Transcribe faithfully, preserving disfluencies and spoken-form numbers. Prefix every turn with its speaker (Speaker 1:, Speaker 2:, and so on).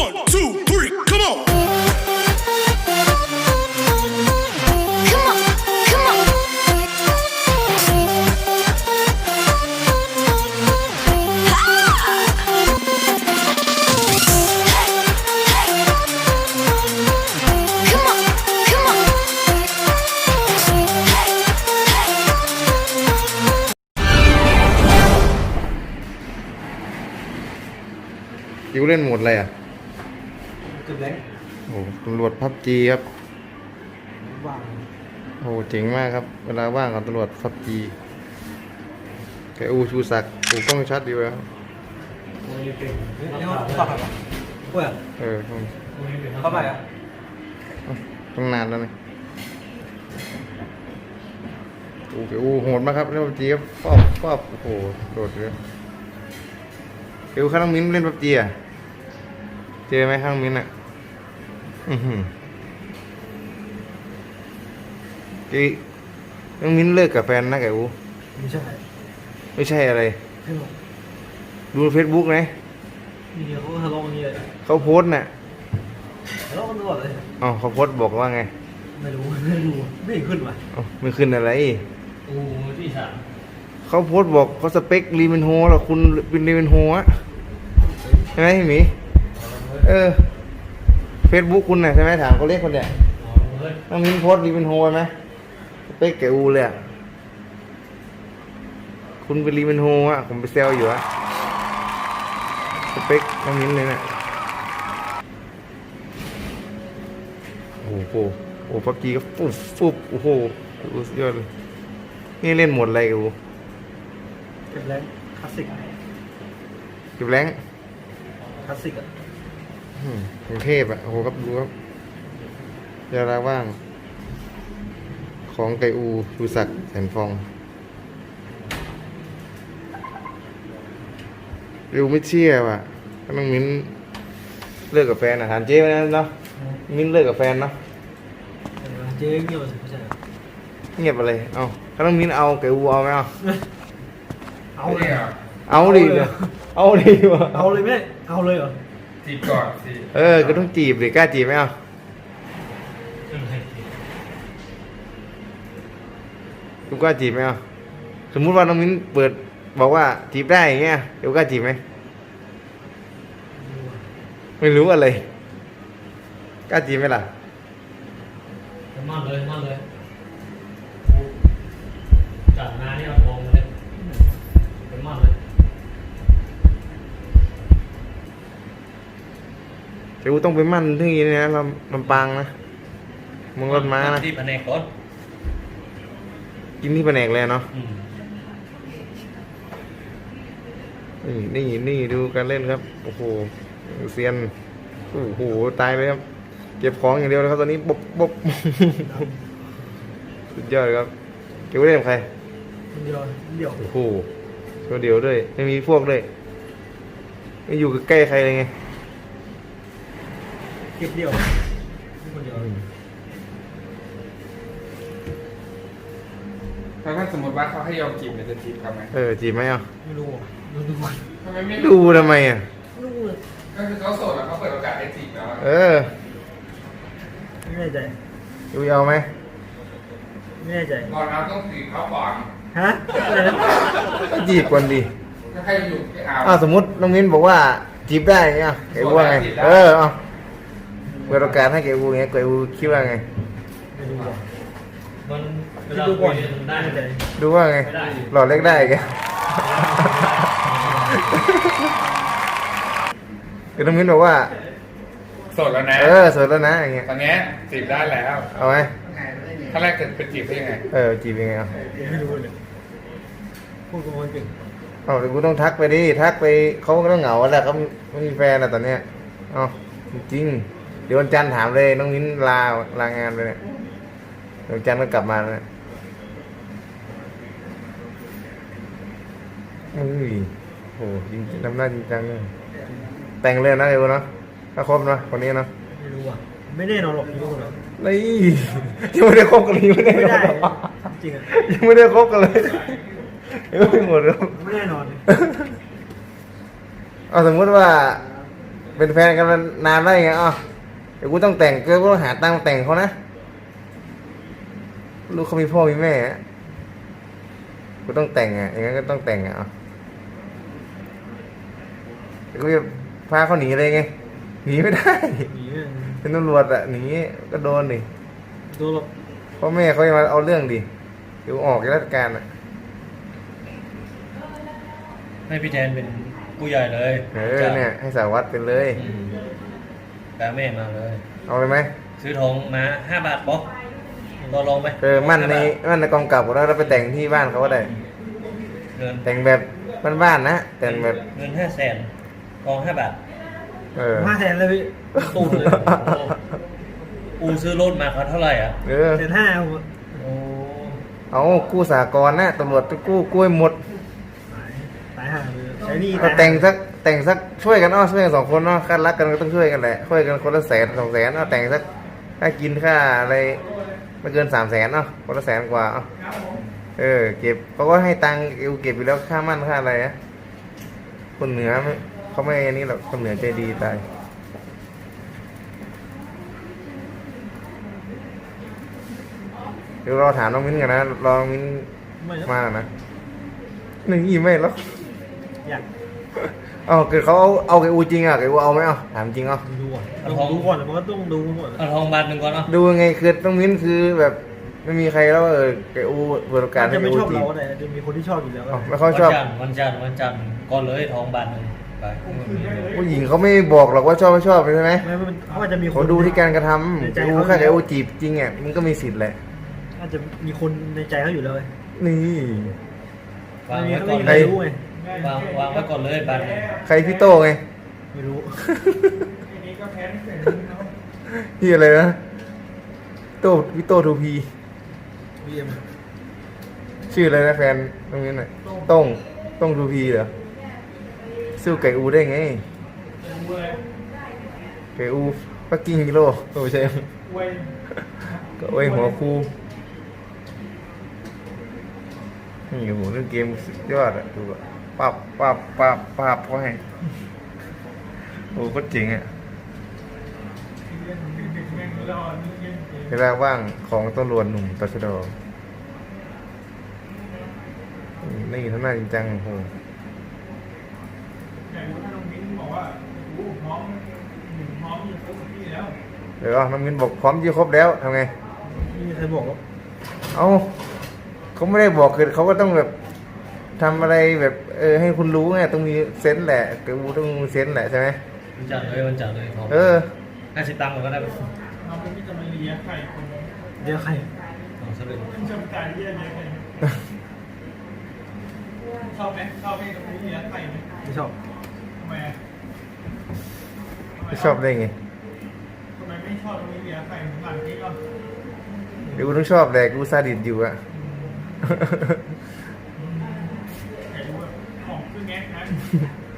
Speaker 1: One, two, three, come on.
Speaker 2: Come on, come on. Come on, come on.
Speaker 3: คิวเล่นโหมดอะไรอ่ะ
Speaker 4: จุดเล็ก
Speaker 3: โอ้โหตำรวจพับจีครับ
Speaker 4: ว่าง
Speaker 3: โอ้โหเจ๋งมากครับ เวลาว่างกับตำรวจพับจีแกอูชูศักดิ์อูกล้องชัดดีแล้ว
Speaker 4: นี่เขาเข้าไปปะเว้ย
Speaker 3: เออต้อง
Speaker 4: เข้าไปอ่ะ
Speaker 3: ต้องนานแล้วนี่โอ้แกอูโหดมากครับเล่นพับจีครับป๊อบป๊อบโอ้โหโดดเลยแกอูข้างน้องมิ้นเล่นพับจีอ่ะเจอไหมข้างน้องมิ้นอ่ะอือหือแกน้องมิ้นเลิกกับแฟนนะแกอู
Speaker 4: ไม่ใช่
Speaker 3: ไม่ใช่อะไร
Speaker 4: ไม่หรอก
Speaker 3: ดูเฟซบุ๊กไหม
Speaker 4: มีเขาทะเลาะกันเยอะ
Speaker 3: เขาโพสต์น่ะ
Speaker 4: ทะเลาะกันตลอดเลย
Speaker 3: อ๋อเขาโพสต์บอกว่าไง
Speaker 4: ไม่รู้ไม่รู้ไม่เห็นขึ้นว่ะ
Speaker 3: อ๋อไม่ขึ้นอะไร
Speaker 5: โอ้ที่สาม
Speaker 3: เขาโพสต์บอกเขาสเปครีเวนโฮหรอคุณเป็นรีเวนโฮอะใช่ไหมพี่หมีเออเฟซบุ๊กคุณน่ะใช่ไหมถามเขาเรียกคนเนี่ย
Speaker 5: อ๋อเฮ้ย
Speaker 3: น้องมิ้นโพสต์รีเวนโฮไหมสเปคแกอูเลยอะคุณเป็นรีเวนโฮอะผมไปเซลอยู่อะสเปคน้องมิ้นเลยน่ะโอ้โหโอ้พับจีก็ฟุบฟุบโอ้โหสุดยอดเลยนี่เล่นหมดอะไรกู
Speaker 4: เก็บแรงคลาสสิก
Speaker 3: เก็บแรง
Speaker 4: คลาสสิกอ่ะ
Speaker 3: อืมกรุงเทพอ่ะโอ้โหครับดูครับเวลาว่าง ของไกอูชูศักดิ์แสนฟองริวไม่เชื่อว่ะก็ต้องมิ้นเลิกกับแฟนอ่ะถามเจ๊ไปนะเนาะมิ้นเลิกกับแฟนเนาะ
Speaker 4: เจ๊เงียบไม่ใช่
Speaker 3: เงียบอะไรเอาก็ต้องมิ้นเอาไกอูเอาไหมเอา
Speaker 4: เอาเลย
Speaker 3: เอาดิเดี๋ยวเอาดิวะ
Speaker 4: เอาเลยไม่ได้เอาเลยเหรอ
Speaker 6: จีบก่อนสิ
Speaker 3: เออก็ต้องจีบดิกล้าจีบไหมเอากูกล้าจีบไหมเอาสมมุติว่าน้องมิ้นเปิดบอกว่าจีบได้อย่างเงี้ยเดี๋ยวกล้าจีบไหมไม่รู้อะไรกล้าจีบไหมล่ะ
Speaker 5: มั่นเลยมั่นเลยจัดมาเนี่ยเอาทองมาเลยเป็นมั่นเลย
Speaker 3: เดี๋ยวกูต้องไปมั่นที่นี่นะลำลำปางนะมึงรถม้านะ
Speaker 5: ที่แผนกก่อน
Speaker 3: กินที่แผนกเลยเนาะ
Speaker 5: อืม
Speaker 3: นี่นี่นี่ดูการเล่นครับโอ้โหเซียนโอ้โหตายเลยครับเก็บของอย่างเดียวเลยครับตอนนี้บบบบสุดยอดครับเก็บไว้เล่นกับใคร
Speaker 4: เดียวเดียว
Speaker 3: โอ้โหตัวเดียวด้วยไม่มีพวกด้วยไม่อยู่ใกล้ใครเลยไง
Speaker 4: เก็บเดียวคนเดียว
Speaker 6: แล้วถ้าสมมติว่าเขาให้ยอมจีบเนี่ยจะจีบเขาไหม
Speaker 3: เออจีบไหมอ่ะ
Speaker 4: ไม่รู้ดูดู
Speaker 6: ทำไมไม่
Speaker 3: ดูทำไมอ่ะ
Speaker 4: ดูเลย
Speaker 6: ก็คือเขาโสดแล้วเขาเปิดโอกาสให้จีบแล้วอะ
Speaker 3: เออ
Speaker 4: ไม่แน่ใจ
Speaker 3: ดูเอาไหม
Speaker 4: ไม่แน่ใจ
Speaker 6: ก่อนเราต้องจีบเขาก่อน
Speaker 4: ฮะอะไรนะ
Speaker 3: ก็จีบก่อนดิ
Speaker 6: ถ้าใครอยู่ไม่เอา
Speaker 3: อ้าวสมมติน้องมิ้นบอกว่าจีบได้เงี้ยเก๋อูว่าไงเออเอาเปิดโอกาสให้เก๋อูเงี้ยเก๋อูคิดว่าไง
Speaker 4: ไม่รู้อ่ะ
Speaker 5: มันเว
Speaker 4: คิด
Speaker 5: ลา
Speaker 4: ดู
Speaker 5: คุ
Speaker 4: ก่อน
Speaker 5: ยได้
Speaker 4: ไม่แน่ใจ
Speaker 3: ดูว่าไงหลอดเล็กได้แกคือน้องมิ้นบอกว่า
Speaker 6: โสดแล้วนะ
Speaker 3: เออสวยแล้วนะอย่างเงี้ย
Speaker 6: ตอนเนี้ยจีบได้แล้ว
Speaker 3: เอาไหม
Speaker 6: ถ้าแรกจะเป็นจีบได้ยังไง
Speaker 3: เออจีบยังไงเอา
Speaker 4: ไม่รู้เลยพูดกับคนเก่ง
Speaker 3: เอาเดี๋ยวกูต้องทักไปดิทักไปเขาก็ต้องเหงาแหละเขาไม่มีแฟนอะตอนเนี้ยเอาจริงเดี๋ยววันจันทร์ถามเลยน้องมิ้นลาลางานไปเนี่ยเดี๋ยววันจันทร์ก็กลับมาแล้วเนี่ยเฮ้ยโหจริงทำหน้าจริงจังเลยแต่งเลยนะเอวเนาะถ้าครบเนาะคนนี้เนาะ
Speaker 4: ไม่รู้อ่ะไม่แน่นอนหรอกไม่รู้หรอก
Speaker 3: นี่ยังไม่ได้คบกันเลยยังไม่ได้
Speaker 4: ไม่ได้
Speaker 3: หรอ
Speaker 4: จริงอ่ะ
Speaker 3: ยังไม่ได้คบกันเลยยังไม่หมดแล้ว
Speaker 4: ไม่แน่นอน
Speaker 3: เอาสมมติว่าเป็นแฟนกันมานานแล้วไงอ๋อเดี๋ยวกูต้องแต่งกูต้องหาตังค์แต่งเขานะลูกเขามีพ่อมีแม่อะกูต้องแต่งอ่ะอย่างนั้นก็ต้องแต่งอ่ะอ๋อเดี๋ยวกูจะพาเขาหนีเลยไงหนีไม่ได้
Speaker 4: หนีเนี่ย
Speaker 3: เป็นตำรวจอ่ะหนีก็โดนดิ
Speaker 4: ตัวแบบ
Speaker 3: พ่อแม่เขาจะมาเอาเรื่องดิเดี๋ยวออกจากราชการอ่ะ
Speaker 5: ให้พี่แทนเป็นผู้ใหญ่เลย
Speaker 3: เออเนี่ยให้สารวัตรเป็นเลย
Speaker 5: อืมแปลแม่มาเลย
Speaker 3: เอาเลยไหม
Speaker 5: ซื้อทองมาห้าบาทป๊อกรอลองไหม
Speaker 3: เออมั่นในมั่นในกองกลับแล้วเราไปแต่งที่บ้านเขาก็ได้
Speaker 5: เงิน
Speaker 3: แต่งแบบบ้านๆนะแต่งแบบ
Speaker 5: เงินห้าแสนทองห้าบาท
Speaker 3: เออ
Speaker 4: ห้าแสนเลยพี่
Speaker 5: ตู้เลยโอ้โหอูซื้อรถมาเขาเท่าไหร่อ่ะ
Speaker 3: เออ
Speaker 4: แสนห้าผม
Speaker 5: โอ้
Speaker 3: เอากู้สากลนะตำรวจไปกู้กู้ให้หมด
Speaker 4: ตายตายห่าเลยใช้หนี่
Speaker 3: เอาแต่งสักแต่งสักช่วยกันเนาะช่วยกันสองคนเนาะค่ารักกันก็ต้องช่วยกันแหละช่วยกันคนละแสนสองแสนเอาแต่งสักค่ากินค่าอะไรไม่เกินสามแสนเนาะคนละแสนกว่าเอาเออเก็บเขาก็ให้ตังค์เอวเก็บอยู่แล้วค่ามั่นค่าอะไรนะคนเหนือไม่เขาไม่อันนี้หรอกคนเหนือใจดีตายเดี๋ยวรอถามน้องมิ้นกันนะรอน้องมิ้น
Speaker 4: ไม่
Speaker 3: มานะหนึ่งอีไม่แล้ว
Speaker 4: อยาก
Speaker 3: เอาเกิดเขาเอาเอาไก่อูจริงอ่ะไก่อูเอาไหมเอาถามจริงเอา
Speaker 4: ดูก่อนต้องดูก่อนมันก็ต้องดูก่อน
Speaker 5: เอาทองบาทหนึ่งก่อนเนาะ
Speaker 3: ดูยังไงคือต้องมิ้นคือแบบไม่มีใครแล้วเออไก่อูเปิดโอกาส
Speaker 4: อาจ
Speaker 3: ให้
Speaker 4: จะ
Speaker 3: ไก่
Speaker 4: ไม่
Speaker 3: อู
Speaker 4: ชอบ
Speaker 3: จี
Speaker 4: เรา
Speaker 3: บ
Speaker 4: ก็ได้จะมีคนที่ชอบอยู่แล้วก็
Speaker 3: เอา
Speaker 4: ได้
Speaker 3: ไม่ค่อยชอบ
Speaker 5: วันจันทร์วันจันทร์วันจันทร์ก่อนเลยทองบาทหนึ่งไป
Speaker 3: ผู้หญิงเขาไม่บอกหรอกว่าชอบไม่ชอบใช่ไหม
Speaker 4: ไม่ไม่เขาอาจจะมีค
Speaker 3: เขา
Speaker 4: น
Speaker 3: ดูที่การกระท
Speaker 4: ใน
Speaker 3: ำ
Speaker 4: ใจ
Speaker 3: ไก่อู
Speaker 4: เขา
Speaker 3: แค่ไก่อูจีบจริงอ่ะมันก็มีสิทธิ์แหละ
Speaker 4: อาจจะมีคนในใจเขาอยู่แล้วไง
Speaker 3: นี่
Speaker 5: วาง
Speaker 4: ไม่มี
Speaker 5: ไว้
Speaker 4: เขา
Speaker 5: ก่
Speaker 4: ไม่
Speaker 5: อน
Speaker 4: มี
Speaker 5: เล
Speaker 4: ใคร
Speaker 5: ย
Speaker 4: รู้ไง
Speaker 5: วางวางไว้ก่อนเลยบาทหนึ่ง
Speaker 3: ใครพี่โต้ไง
Speaker 4: ไม่รู้
Speaker 3: พี่อะไรนะโต้พี่โต้ทูพี
Speaker 4: บีเอ็ม
Speaker 3: ชื่ออะไรนะแฟนตรงนี้หน่อยต้งต้งทูพีเหรอสู้ไก่อูได้ไงไก่อูปักกิ่งกิโลโอ้ใช่ก็ไว้หัวคูนี่โอ้โหเรื่องเกมสุดยอดอะดูอะปับปับปับปับเขาให้โอ้ก็เจ๋งอะเวลาว่างของตำรวจหนุ่มตชดนี่ทำหน้าจริงจังโอ้โหเดี๋ยวน้องมินบอกพร้อมยี่ครบแล้วทำไง
Speaker 4: ไม่มีใครบอกว่า
Speaker 3: เอาเขาไม่ได้บอกคือเขาก็ต้องแบบทำอะไรแบบเออให้คุณรู้ไงต้องมีเซนส์แหละกูต้องมีเซนส์แหละใช่ไหม
Speaker 5: วันจันทร์เลยวันจันทร์เลยทอง
Speaker 3: เออ
Speaker 5: ห้าสิบตังค์ก็ได้ไหม
Speaker 4: เดี๋ยวใคร
Speaker 5: ทองสลึง
Speaker 7: ชอบไหมชอบให้ตรงนี้เลี้ยงไข่ไหม
Speaker 4: ไม่ชอบ
Speaker 7: ทำไมอะ
Speaker 3: ไม่ชอบได้ไง
Speaker 7: ทำไมไม่ชอบตรงนี้เลี้ยงไข่เหมือนหลังนี้ก็
Speaker 3: เดี๋ยวกูต้องชอบแหละกูซาดิสอยู่อะ
Speaker 7: ไข่ดูแบบของคือแงะนะ